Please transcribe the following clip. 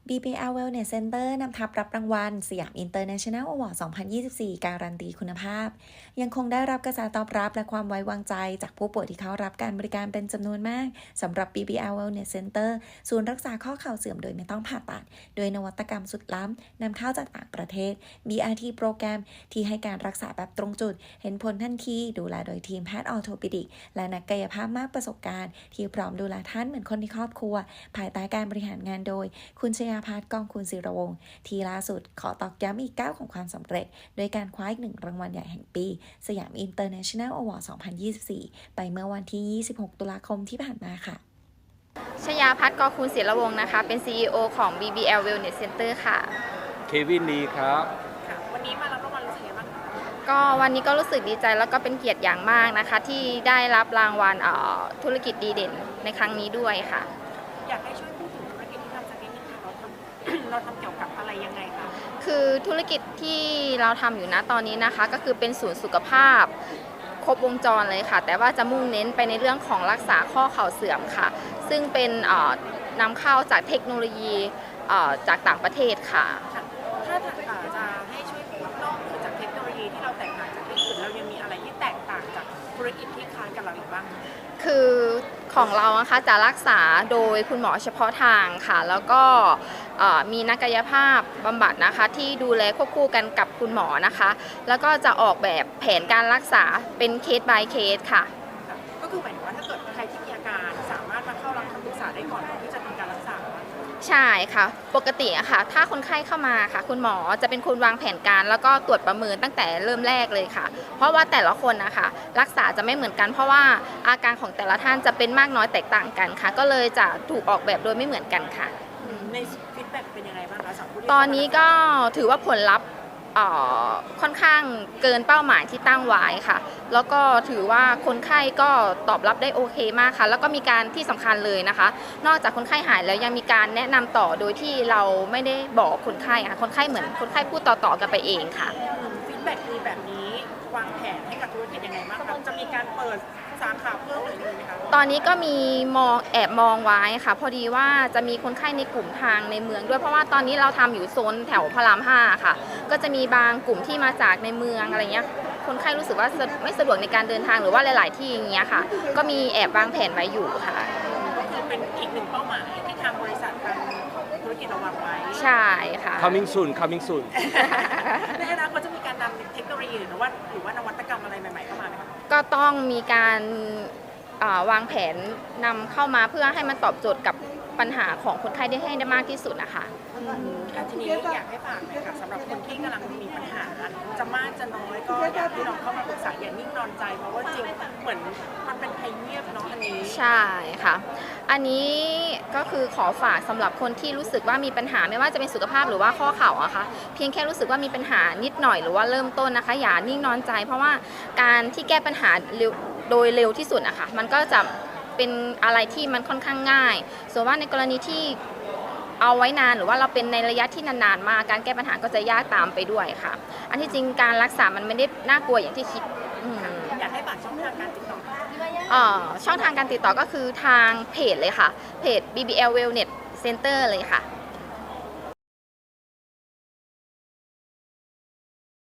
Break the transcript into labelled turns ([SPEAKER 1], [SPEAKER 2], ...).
[SPEAKER 1] BBL Wellness Center นำทัพรับรางวัลสยาม International Award 2024 การันตีคุณภาพยังคงได้รับกระแสตอบรับและความไว้วางใจจากผู้ป่วยที่เข้ารับการบริการเป็นจำนวนมากสำหรับ BBL Wellness Center ศูนย์รักษาข้อเข่าเสื่อมโดยไม่ต้องผ่าตัดโดยนวัตกรรมสุดล้ำนำเข้าจากต่างประเทศ BRT โปรแกรมที่ให้การรักษาแบบตรงจุดเห็นผลทันทีดูแลโดยทีมแพทย์ออร์โทปิดิกและนักกายภาพมากประสบการณ์ที่พร้อมดูแลท่านเหมือนคนในครอบครัวภายใต้การบริหารงานโดยคุณชยาภัทร กองคุณศิรวงศ์ที่ล่าสุดขอตอกย้ำอีกก้าวของความสำเร็จโดยการคว้าอีกหนึ่งรางวัลใหญ่แห่งปีสยาม International Award 2024 ไปเมื่อวันที่ 26 ตุลาคมที่ผ่านมาค่ะ
[SPEAKER 2] ชยาภัทร กองคุณศิรวงศ์นะคะเป็น CEO ของ BBL Wellness Center ค่ะ
[SPEAKER 3] เควินดีครับ
[SPEAKER 4] วันนี้มารับรางวัลรู้สึกยังไงบ้าง
[SPEAKER 2] ก็วันนี้ก็รู้สึกดีใจแล้วก็เป็นเกียรติอย่างมากนะคะที่ได้รับรางวัลธุรกิจดีเด่นในครั้งนี้ด้วยค่ะ
[SPEAKER 4] อยากให้ช่วยพูดถึงธุรกิจที่ทำสักนิดนึงค่ะเราทำเกี่ยวกับอะไรยังไงคะ
[SPEAKER 2] คือธุรกิจที่เราทำอยู่นะตอนนี้นะคะก็คือเป็นศูนย์สุขภาพครบวงจรเลยค่ะแต่ว่าจะมุ่งเน้นไปในเรื่องของรักษาข้อเข่าเสื่อมค่ะซึ่งเป็นนำเข้าจากเทคโนโลยีจากต่างประเทศค่ะ
[SPEAKER 4] ถ้าจะให้ช่วยนอกจากเทคโนโลยีที่เราแตกต่างจากที่อื่นเรายังมีอะไรที่แตกต่างจากธุรกิจที่คล้ายกับเราอีกบ้าง
[SPEAKER 2] คือของเรานะคะจะรักษาโดยคุณหมอเฉพาะทางค่ะแล้วก็มีนักกายภาพบำบัดนะคะที่ดูแลควบคู่กันกับคุณหมอนะคะแล้วก็จะออกแบบแผนการรักษาเป็นเคส by เคสค่ะ
[SPEAKER 4] ก็คือหมายถึงว่าถ้าเกิดใครที่มีอาการสามารถมาเข้ารับคำปรึกษาได้ก่อนที่จะทำการรักษา
[SPEAKER 2] ใช่ค่ะปกติอะค่ะถ้าคนไข้เข้ามาค่ะคุณหมอจะเป็นคนวางแผนการแล้วก็ตรวจประเมินตั้งแต่เริ่มแรกเลยค่ะเพราะว่าแต่ละคนนะคะรักษาจะไม่เหมือนกันเพราะว่าอาการของแต่ละท่านจะเป็นมากน้อยแตกต่างกันค่ะก็เลยจะถูกออกแบบโดยไม่เหมือนกันค่ะ
[SPEAKER 4] ในฟีดแบ็กเป็นยังไงบ้างคะ
[SPEAKER 2] ตอนนี้ก็ถือว่าผลลัพธ์ค่อนข้างเกินเป้าหมายที่ตั้งไว้ค่ะแล้วก็ถือว่าคนไข้ก็ตอบรับได้โอเคมากค่ะแล้วก็มีการที่สำคัญเลยนะคะนอกจากคนไข้หายแล้วยังมีการแนะนำต่อโดยที่เราไม่ได้บอกคนไข้ค่ะคนไข้เหมือนคนไข้พูดต่อๆกันไปเองค่ะ
[SPEAKER 4] ฟีดแบ็กดีแบบนี้วางแผนให้กับธุรกิจยังไงบ้างคะจะมีการเปิดสาขาเพิ่มหรือยังไงคะ
[SPEAKER 2] ตอนนี้ก็มีแอบมองไว้ค่ะพอดีว่าจะมีคนไข้ในกลุ่มทางในเมืองด้วยเพราะว่าตอนนี้เราทำอยู่โซนแถวพระราม5ค่ะก็จะมีบางกลุ่มที่มาจากในเมืองอะไรเงี้ยคนไข้รู้สึกว่าไม่สะดวกในการเดินทางหรือว่าหลายๆที่อย่างเงี้ยค่ะก็มีแอบวางแผนไว้อยู่ค่ะ
[SPEAKER 4] ก็คือเป็นอีกหนึ่งเป้าหมายที่ทางบริษัททางธุรกิจเราวางไว้
[SPEAKER 2] ใช่ค่ะ
[SPEAKER 3] coming soon
[SPEAKER 4] ในอนาคตจะมีการนำเทคโนโลยีหรือว่านวัตกรรมอะไรใหม่ๆเข้ามาไหมคะ
[SPEAKER 2] ก็ต้องมีการวางแผนนำเข้ามาเพื่อให้มันตอบโจทย์กับปัญหาของคนไข้ได้ให้ได้มากที่สุดนะคะ
[SPEAKER 4] ทีนี้อยากให้ฝากหน่อยค่ะสำหรับคนที่กำลังมีปัญหาจะมากจะน้อยก็อยากให้ลองเข้ามาปรึกษาอย่านิ่งนอนใจเพราะว่าจริงเหมือนมันเป็นภัยเงียบเนาะอันนี้
[SPEAKER 2] ใช่ค่ะอันนี้ก็คือขอฝากสำหรับคนที่รู้สึกว่ามีปัญหาไม่ว่าจะเป็นสุขภาพหรือว่าข้อเข่าอะค่ะเพียงแค่รู้สึกว่ามีปัญหานิดหน่อยหรือว่าเริ่มต้นนะคะอย่านิ่งนอนใจเพราะว่าการที่แก้ปัญหาโดยเร็วที่สุดอะค่ะมันก็จะเป็นอะไรที่มันค่อนข้างง่ายส่วนว่าในกรณีที่เอาไว้นานหรือว่าเราเป็นในระยะที่นานๆมาการแก้ปัญหาก็จะยากตามไปด้วยค่ะอันที่จริงการรักษามันไม่ได้น่ากลัวอย่างที่คิด
[SPEAKER 4] อยากให้ฝากช่องทางการติดต่อ
[SPEAKER 2] ช่องทางการติดต่อก็คือทางเพจเลยค่ะเพจ BBL Wellness Center เลยค่ะ